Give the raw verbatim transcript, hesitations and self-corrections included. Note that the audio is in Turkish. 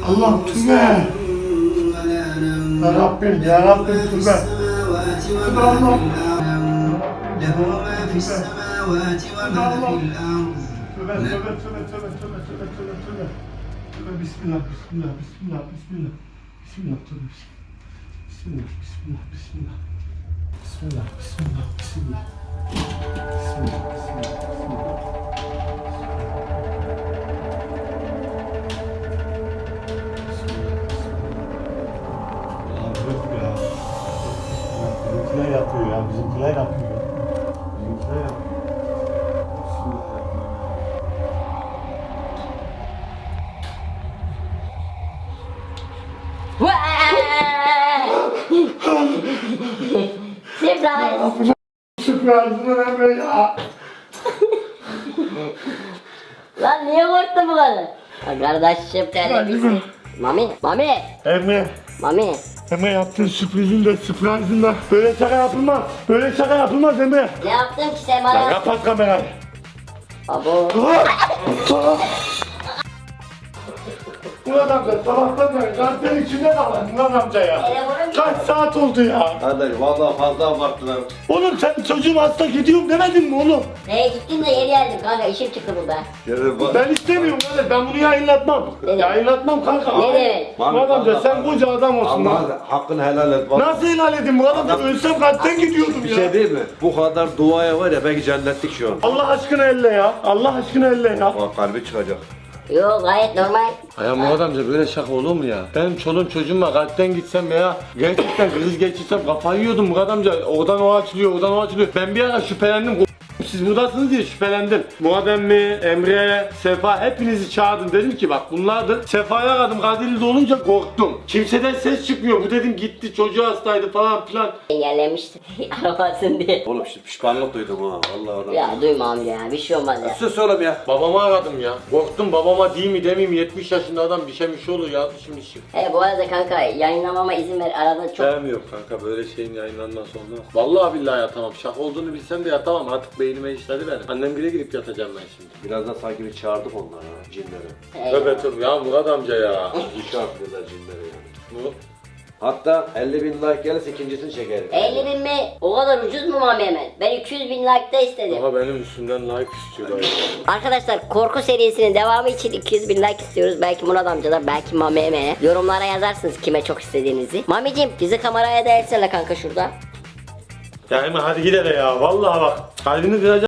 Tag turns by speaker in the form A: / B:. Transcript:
A: Allah tübe. Ya Rabbim, ya Rabbim tübe. Tübe Allah.
B: له ما في السماوات وما في الأرض.
A: Tübe, tübe, tübe, tübe, tübe, tübe, tübe, tübe. Tübe, bismillah, bismillah, bismillah, bismillah. Bismillah, tübe, bismillah, bismillah, bismillah. Bismillah, bismillah, bismillah. Bismillah, bismillah, bismillah. Bizimkiler yapıyor ya, bizimkiler yapıyor. Bizimkiler yapıyor.
C: Surprise!
A: Süpersiniz Emre ya.
C: Lan niye korktun bu kadar? Ha, kardeşim terlemişsin. Mami, Mami,
A: Emre,
C: Mami.
A: Emre yaptığın sürprizin de sürprizin de böyle şaka yapılmaz. Böyle şaka yapılmaz Emre.
C: Ne yaptın ki sen
A: Ya
C: bana?
A: kapat kamerayı.
C: Abo.
A: Murat amca sabahtan beri kanserin içinde kalın Murat amca ya.
C: Telefonum
A: Kaç saat oldu ya?
D: Kardeş vallahi fazla abarttılar.
A: Oğlum sen çocuğum hasta gidiyorum demedin mi oğlum?
C: Neye gittin de geri geldim kanka, işim çıktı burada.
D: Geri bak.
A: Ben istemiyorum kardeş, ben bunu yayınlatmam.
C: Ne demek?
A: Yayınlatmam kanka.
C: Ne demek?
A: Murat amca sen koca adam olsun lan.
D: Allah hakkını helal et. Bak,
A: Nasıl helal edeyim Murat amca?
D: Adam-
A: Ölsem kalpten gidiyordum
D: bir
A: ya.
D: şey değil mi? Bu kadar duaya var ya belki cennetlik şu an.
A: Allah aşkına elle ya. Allah aşkına elle ya.
D: Bak kalbi çıkacak.
C: Yo, gayet normal.
E: Ya Murat amca böyle şaka olur mu ya? Benim çoluğum çocuğum var, kalpten gitsem veya gerçekten kriz geçirsem kafayı yiyordum Murat amca. Oradan o açılıyor, oradan o açılıyor. Ben bir ara şüphelendim. Siz buradasınız diye şüphelendim. Murat emmi, Emre, Sefa hepinizi çağırdım. Dedim ki bak bunlardır. Sefa'yı aradım. Kadirli'de olunca korktum. Kimseden ses çıkmıyor. Bu dedim gitti, çocuğu hastaydı falan filan.
C: Engellemişti aramasın diye.
D: Oğlum işte pişmanlık duydum ha. Vallahi oradan.
C: Ya duyma amca ya, bir şey olmaz ya.
D: Sus oğlum ya.
E: Babamı aradım ya. Korktum, babama değil mi demeyeyim, yetmiş yaşında adam bir şey bir şey olur ya şimdi şimdi.
C: He bu arada kanka, yayınlamama izin ver, arada çok...
E: Sevmiyorum kanka böyle şeyin yayınlanması olmaz. Vallahi billahi yatamam. Şaka olduğunu bilsem de yatamam. Artık beynime işledi benim. Annem bile gidip yatacağım ben şimdi.
D: Birazdan sanki bir çağırdık onları ha. Cinleri.
C: He.
E: Tövbe tövbe ya Murat amca ya.
D: Bu şartlıyorlar cinleri yani.
E: Bu
D: Hatta elli bin like gelirse ikincisini çekerim.
C: elli bin mi? O kadar ucuz mu Mami hemen? Ben iki yüz bin like'da istedim.
E: ama benim üstümden like istiyorlar ya.
C: Arkadaşlar korku serisinin devamı için iki yüz bin like istiyoruz. Belki Murat amcadan, belki Mami Eme'ye. Yorumlara yazarsınız kime çok istediğinizi. Mamicim bizi kameraya da etsene kanka şurada.
E: Ya Emre hadi gidelim ya. Vallahi bak kalbini kıracağım.